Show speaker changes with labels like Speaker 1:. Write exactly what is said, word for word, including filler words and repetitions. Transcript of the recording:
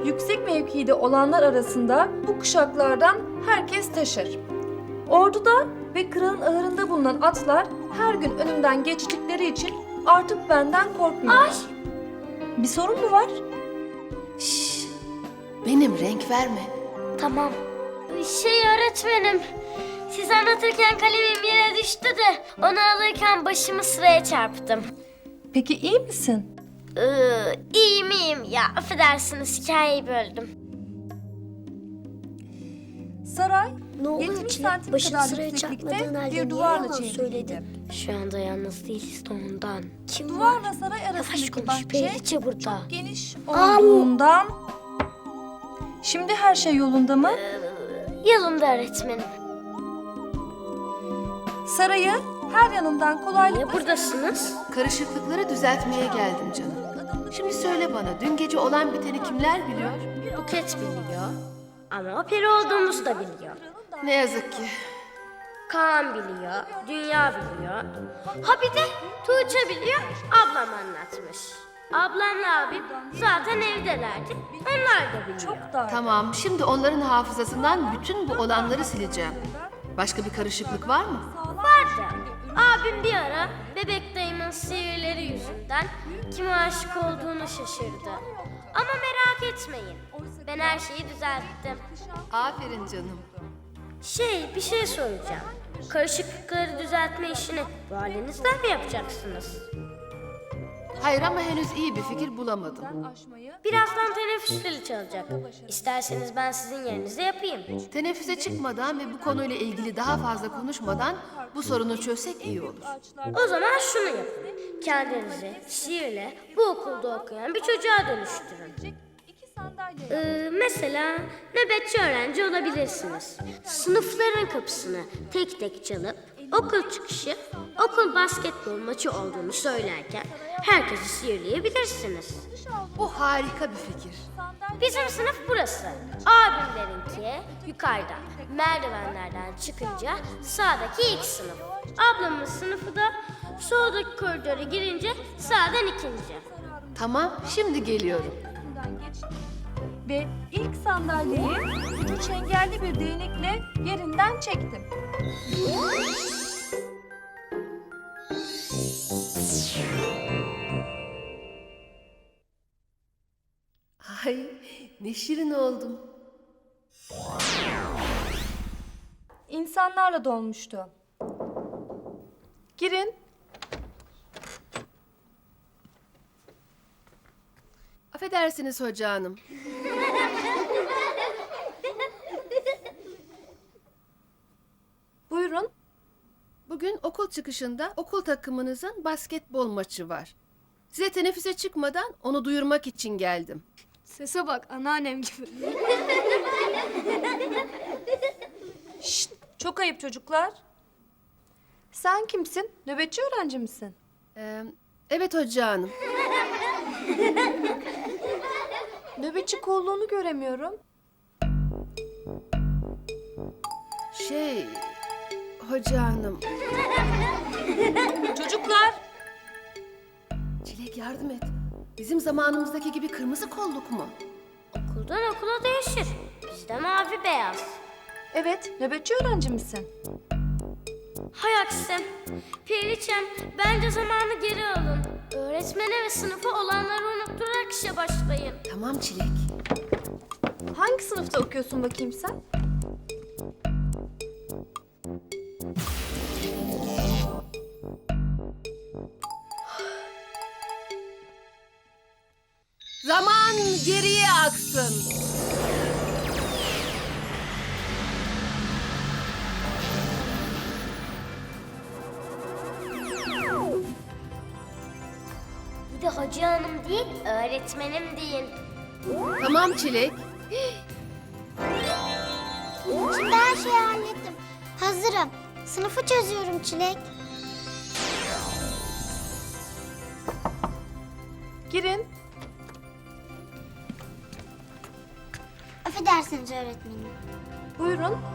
Speaker 1: Yüksek mevkide olanlar arasında bu kuşaklardan herkes taşır. Orduda ve kralın ahırında bulunan atlar her gün önümden geçtikleri için artık benden korkmuyorlar.
Speaker 2: Ay!
Speaker 1: Bir sorun mu var?
Speaker 3: Şşş, benim renk verme.
Speaker 2: Tamam. Şey öğretmenim, siz anlatırken kalemim yere düştü de onu alırken başımı sıraya çarptım.
Speaker 1: Peki iyi misin?
Speaker 2: Ee, iyiyim iyiyim ya, affedersiniz hikayeyi böldüm.
Speaker 1: Saray
Speaker 4: Ne oluyor
Speaker 1: yetmiş
Speaker 4: Çilek?
Speaker 1: santim
Speaker 4: Başını
Speaker 1: kadar
Speaker 4: sıraya
Speaker 1: yükseklikte
Speaker 4: çarpmadığın halde
Speaker 1: bir
Speaker 4: niye
Speaker 1: duvarla
Speaker 4: yalan
Speaker 1: çevriliydi.
Speaker 4: söyledin?
Speaker 2: Şu anda yalnız değiliz de ondan.
Speaker 4: Kim var?
Speaker 1: Duvarla saray
Speaker 2: Yavaş
Speaker 1: arasındaki
Speaker 2: konuş,
Speaker 1: bahçe
Speaker 2: Periçe burada.
Speaker 1: çok geniş olduğundan... Şimdi her şey yolunda mı?
Speaker 2: Yolunda öğretmenim.
Speaker 1: Sarayı her yanından kolaylıkla...
Speaker 2: Niye buradasınız?
Speaker 3: Karışıklıkları düzeltmeye geldim canım. Şimdi söyle bana, dün gece olan biteni kimler biliyor?
Speaker 2: Buket biliyor. Ama o peri olduğumuzu da biliyor.
Speaker 3: Ne yazık ki.
Speaker 2: Kaan biliyor, Dünya biliyor. Ha bir de Tuğçe biliyor, ablam anlatmış. Ablamla abim zaten evdelerdi, onlar da biliyor.
Speaker 1: Çok dar.
Speaker 3: Tamam, şimdi onların hafızasından bütün bu olanları sileceğim. Başka bir karışıklık var mı?
Speaker 2: Vardı. Abim bir ara bebek dayımın sihirleri yüzünden kime aşık olduğunu şaşırdı. Ama merak etmeyin, ben her şeyi düzelttim.
Speaker 3: Aferin canım.
Speaker 2: Şey, bir şey soracağım. Karışıklıkları düzeltme işini bu halinizden mi yapacaksınız?
Speaker 3: Hayır ama henüz iyi bir fikir bulamadım.
Speaker 2: Birazdan teneffüs zili çalacak. İsterseniz ben sizin yerinize yapayım.
Speaker 3: Teneffüse çıkmadan ve bu konuyla ilgili daha fazla konuşmadan bu sorunu çözsek iyi olur.
Speaker 2: O zaman şunu yapın. Kendinizi sihirle bu okulda okuyan bir çocuğa dönüştürün. Ee, mesela nöbetçi öğrenci olabilirsiniz. Sınıfların kapısını tek tek çalıp okul çıkışı okul basketbol maçı olduğunu söylerken herkesi sihirleyebilirsiniz.
Speaker 3: Bu harika bir fikir.
Speaker 2: Bizim sınıf burası. Abimlerinki yukarıda. Merdivenlerden çıkınca sağdaki ilk sınıf. Ablamın sınıfı da soldaki koridora girince sağdan ikinci.
Speaker 3: Tamam, şimdi geliyorum.
Speaker 1: Ve ilk sandalyeyi ucu çengelli bir değnekle yerinden çektim.
Speaker 3: Ay, ne şirin oldum.
Speaker 1: İnsanlarla dolmuştu. Girin.
Speaker 3: Affedersiniz hoca hanım.
Speaker 1: Buyurun.
Speaker 3: Bugün okul çıkışında okul takımınızın basketbol maçı var. Size teneffüse çıkmadan onu duyurmak için geldim.
Speaker 4: Sese bak anneannem gibi.
Speaker 1: Şşt, çok ayıp çocuklar. Sen kimsin? Nöbetçi öğrenci misin?
Speaker 3: Ee, evet hoca hanım.
Speaker 1: Nöbetçi kolluğunu göremiyorum.
Speaker 3: Şey, hoca hanım.
Speaker 1: Çocuklar!
Speaker 3: Çilek yardım et. Bizim zamanımızdaki gibi kırmızı kolluk mu?
Speaker 2: Okuldan okula değişir. Bizde mavi beyaz.
Speaker 1: Evet, nöbetçi öğrenci misin?
Speaker 2: Hay aksi. Periçem, bence zamanı geri alın. Öğretmene ve sınıfa olanları unutturarak işe başlayın.
Speaker 3: Tamam Çilek.
Speaker 1: Hangi sınıfta okuyorsun bakayım sen?
Speaker 3: Zaman geriye aksın.
Speaker 2: Bir de Hacı Hanım değil, öğretmenim deyin.
Speaker 3: Tamam Çilek.
Speaker 4: Şimdi her şeyi hallettim. Hazırım. Sınıfı çözüyorum Çilek.
Speaker 1: Girin.
Speaker 4: Affedersiniz öğretmenim.
Speaker 1: Buyurun.